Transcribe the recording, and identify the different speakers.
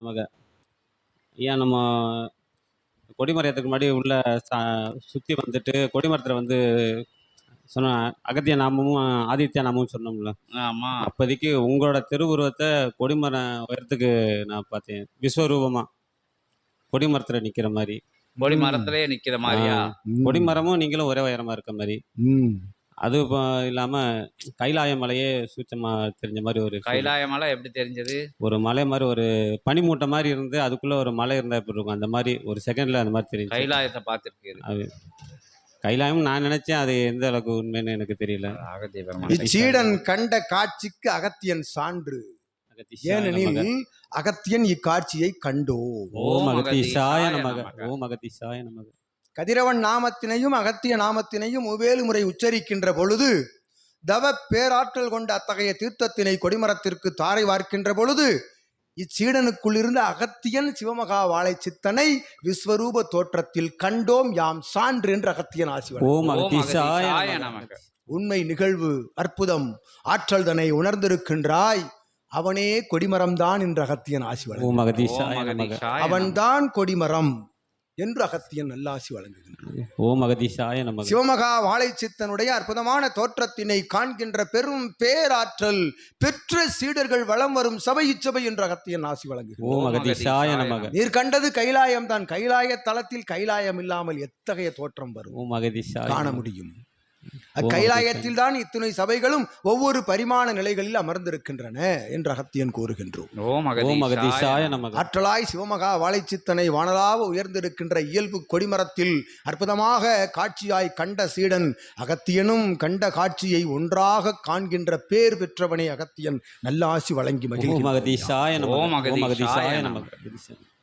Speaker 1: நமக்கு ஐயா நம்ம கொடிமரத்துக்கு முன்னாடி உள்ள சுற்றி வந்துட்டு கொடிமரத்தில் வந்து சொன்ன அகத்திய நாமமும் ஆதித்ய நாமமும் சொன்னோம்ல.
Speaker 2: ஆமா.
Speaker 1: அப்போதைக்கு உங்களோட திருவுருவத்தை கொடிமரம் உயரத்துக்கு நான் பார்த்தேன், விஸ்வரூபமா கொடிமரத்தில் நிற்கிற மாதிரி.
Speaker 2: கொடிமரத்திலே நிற்கிற மாதிரியா?
Speaker 1: கொடிமரமும் நீங்களும் ஒரே உயரமா இருக்க மாதிரி. அது இல்லாமல் கைலாய மலையே சூட்சமாக தெரிஞ்ச மாதிரி ஒரு
Speaker 2: கைலாய மலை எப்படி தெரிஞ்சது?
Speaker 1: ஒரு மலை மாதிரி ஒரு பனிமூட்டை மாதிரி இருந்து அதுக்குள்ளே ஒரு மலை இருந்தால் எப்படி இருக்கும், அந்த மாதிரி ஒரு செகண்டில் அந்த மாதிரி தெரியும்.
Speaker 2: கைலாயத்தை பார்த்துருக்கு
Speaker 1: அது கைலாயம் நான் நினைச்சேன், அது எந்த அளவுக்கு உண்மைன்னு எனக்கு தெரியல.
Speaker 3: சீடன் கண்ட காட்சிக்கு அகத்தியன் சான்று. ஏனெனில் அகத்தியன் இக்காட்சியை கண்டோ.
Speaker 1: ஓம் அகத்தீசாய நமக. ஓம் அகத்தீசாய நமக.
Speaker 3: கதிரவன் நாமத்தினையும் அகத்திய நாமத்தினையும் உவேலு முறை உச்சரிக்கின்ற பொழுது, தவ பேராற்றல் கொண்ட அத்தகைய தீர்த்தத்தினை கொடிமரத்திற்கு தாரை வார்க்கின்ற பொழுது, இச்சீடனுக்குள் இருந்த அகத்தியன் சிவமகா வாழை சித்தனை விஸ்வரூப தோற்றத்தில் கண்டோம் யாம் சான்று என்று அகத்தியன் ஆசி.
Speaker 1: ஓம் அகத்தீசாய நமக.
Speaker 3: உண்மை நிகழ்வு அற்புதம் ஆற்றல் தன்னை உணர்ந்திருக்கின்றாய், அவனே கொடிமரம்தான் என்று அகத்தியன் ஆசி வழங்குகிறான். அவன்தான் கொடிமரம் என்று அகத்தியன் நல்லாசி வழங்குகின்றான்.
Speaker 1: ஓம் அகதீசாய நமக.
Speaker 3: சிவமகா வாழை சித்தனுடைய அற்புதமான தோற்றத்தினை காண்கின்ற பெரும் பேராற்றல் பெற்ற சீடர்கள் வலம் வரும் சபை இச்சபை என்று அகத்தியன் ஆசி வழங்குகிறான்.
Speaker 1: ஓம் அகதீசாய நமக.
Speaker 3: நீர் கண்டது கைலாயம் தான். கைலாய தலத்தில் கைலாயம் இல்லாமல் எத்தகைய தோற்றம் வரும்?
Speaker 1: ஓம் அகதீசாய
Speaker 3: காண முடியும். அக்கைலாயத்தில் தான் இத்துணை சபைகளும் ஒவ்வொரு பரிமாண நிலைகளில் அமர்ந்திருக்கின்றன என்று அகத்தியன் கூறுகின்றோம். ஆற்றலாய் சிவமகா வாழைச்சித்தனை வானலாக உயர்ந்திருக்கின்ற இயல்பு கொடிமரத்தில் அற்புதமாக காட்சியாய் கண்ட சீடன் அகத்தியனும் கண்ட காட்சியை ஒன்றாக காண்கின்ற பேர் பெற்றவனை அகத்தியன் நல்ல ஆசி வழங்கி மகிழ்ச்சி.